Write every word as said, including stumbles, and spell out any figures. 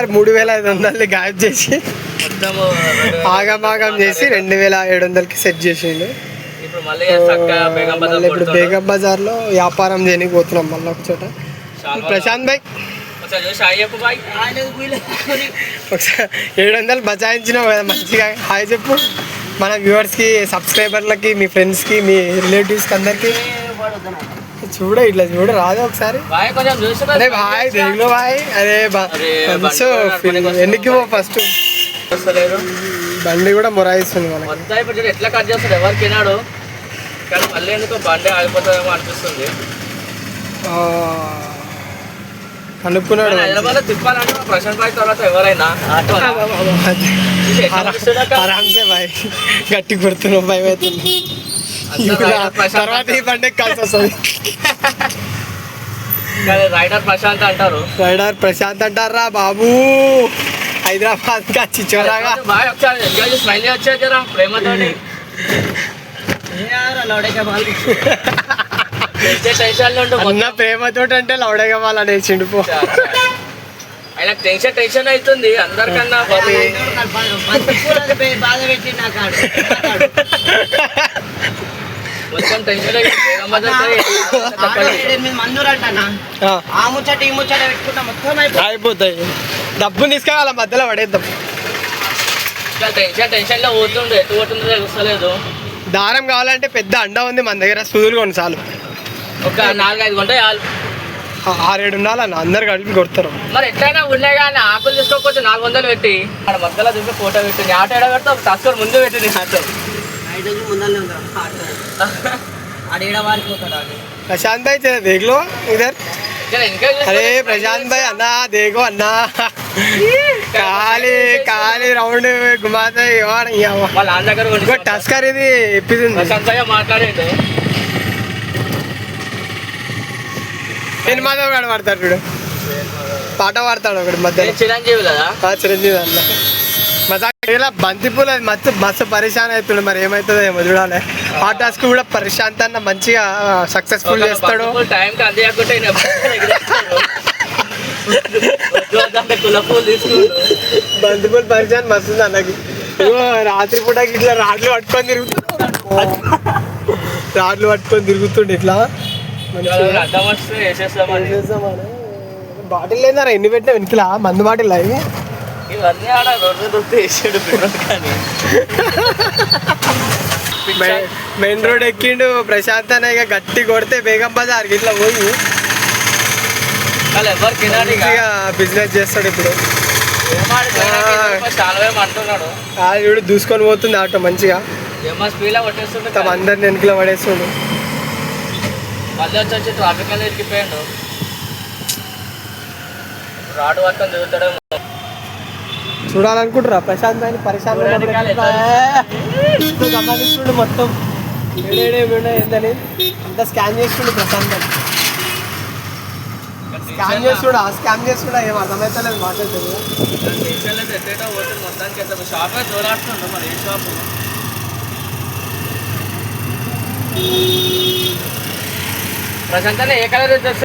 ఒకేసారి మూడు వేల ఐదు వందలని గాయబ్ చేసి ఆగమాగం చేసి రెండు వేల ఏడు వందలకి సెట్ చేసిండు. మళ్ళీ ఇప్పుడు బేగం బజార్లో వ్యాపారం చేయడానికి పోతున్నాం మళ్ళీ ఒక చోట. ప్రశాంత్ భాయ్ ఒకసారి ఏడు వందలు బచాయించినావు కదా మంచిగా హాయ్ చెప్పు మన వ్యూవర్స్కి, సబ్స్క్రైబర్లకి, మీ ఫ్రెండ్స్కి, మీ రిలేటివ్స్కి అందరికి. చూడ ఇట్లా చూడ రాదు ఒకసారి. అరే బాయ్ దేగులో బాయ్. అరే సో ఎన్నికి పో ఫస్ట్. బండి కూడా మొరాయిస్తుంది మనకి. ఎట్లా కట్ చేస్తాడు ఎవరికి వినాడు కానీ మళ్ళీ ఎందుకో బండి ఆగిపోతుందేమో అనిపిస్తుంది. అనుకున్నాడు హైదరాబాద్ లో తిప్పాలంటే ప్రశాంత్ భాయ్ తర్వాత ఎవరైనా ఆరామ్సే బాయ్. గట్టి గుర్తున్నావు భయం అవుతుంది. తర్వాత ఈ బండి కలిసి వస్తుంది. రైడర్ ప్రశాంత్ అంటారు. రైడర్ ప్రశాంత్ అంటారా బాబు. హైదరాబాద్ కా చిచోరాగా బాయ్ ఒకసారి ఎంజాయ్ స్మైల్ వచ్చేది కదా ప్రేమతోటి. అన్న ప్రేమతో అంటే లౌడగా వాళ్ళు అనేసిండు పో. ఆయనకు టెన్షన్ టెన్షన్ అవుతుంది అందరికన్నా. కొంచెం టెన్షన్ అయిపోతాయి. డబ్బు తీసుకెళ్ళ మధ్యలో పడేద్దాం. టెన్షన్ టెన్షన్ లో పోతుండే ఎటు పోతుందో తెలుస్తలేదు. దారం కావాలంటే పెద్ద అండ ఉంది మన దగ్గర, సూదులు కొన్ని చాలు. ఒక నాలుగైదు గంట చాలు. ఆరేడు ఉండాలన్న అందరు కలిపి కొడతారు. మరి ఎట్లయినా ఉన్నాయి కానీ ఆకులు తీసుకోకపోతే నాలుగు వందలు పెట్టి అక్కడ మధ్యలో చూసి ఫోటో పెట్టింది. ఆటో ఏడ పెడతా తస్కర్ ముందు పెట్టింది. ఆటో ప్రశాంత్ భాయ్ దేఖలో ఇధర్. అరే ప్రశాంత్ భాయ్ అన్నా దేఖో అన్నా ఖాళీ ఖాళీ రౌండ్ గుమాతాయి. వాళ్ళ నాన్న దగ్గర టస్కర్ ఇది ఇప్పింది. ప్రశాంత్ భాయ్ మాట్లాడేది నేను మాధవ్ గాడు పాడతాడు చూడు, పాట పాడతాడు ఒకటి మధ్య. చిరంజీవి కదా చిరంజీవి అన్న మజా. ఇలా బంతిపూలు అది మస్తు మస్తు పరిశాన్ అవుతుండే. మరి ఏమవుతుందో ఏమో చూడాలి. ఆ టాస్క్ కూడా ప్రశాంత్ అన్న మంచిగా సక్సెస్ఫుల్ చేస్తాడు. బంతిపూలు పరిశాన్ మస్తు అన్నకి. రాత్రి పూట ఇట్లా రాడ్లు పట్టుకొని తిరుగుతుండు రాడ్లు పట్టుకొని తిరుగుతుండే ఇట్లా. బాటిల్ లేదారా ఎన్ని పెట్టినా వెనుకలా మందు బాటిల్ అవి. ఇవన్నీ ఆడ రోడ్డు దొరికి వేసాడు కానీ మెయిన్ రోడ్ ఎక్కిండు ప్రశాంత్ అన్న. ఇక గట్టి కొడితే బేగం బజార్ ఇట్లా పోయి ఎవరికి బిజినెస్ చేస్తాడు ఇప్పుడు. అంటున్నాడు చూడు దూసుకొని పోతుంది ఆటో మంచిగా. స్పీడ్ కొట్టేస్తుండే తమ అందరిని వెనుకలో పడేస్తుండు. మళ్ళీ వచ్చి వచ్చి ట్రాఫిక్ అనేది ఎక్కిపోయాడు. రాడు పక్కన దిగుతాడు. చూడాలనుకుంటారా ప్రశాంత్ భాయ్ పరిశాంత్ గమనిస్తుండు మొత్తం ఏడేడేమి ఏందని అంతా స్కాన్ చేస్తుండు ప్రశాంత్ భాయ్. స్కాన్ చేస్తుడా స్కాన్ చేస్తుడా ఏం అర్థమవుతలేదు మాట్లాడుతుంది. మొత్తానికి షాప్ చూడాడుతుండు మరి ఏ షాపు. ప్రశాంత్ ఏ కలర్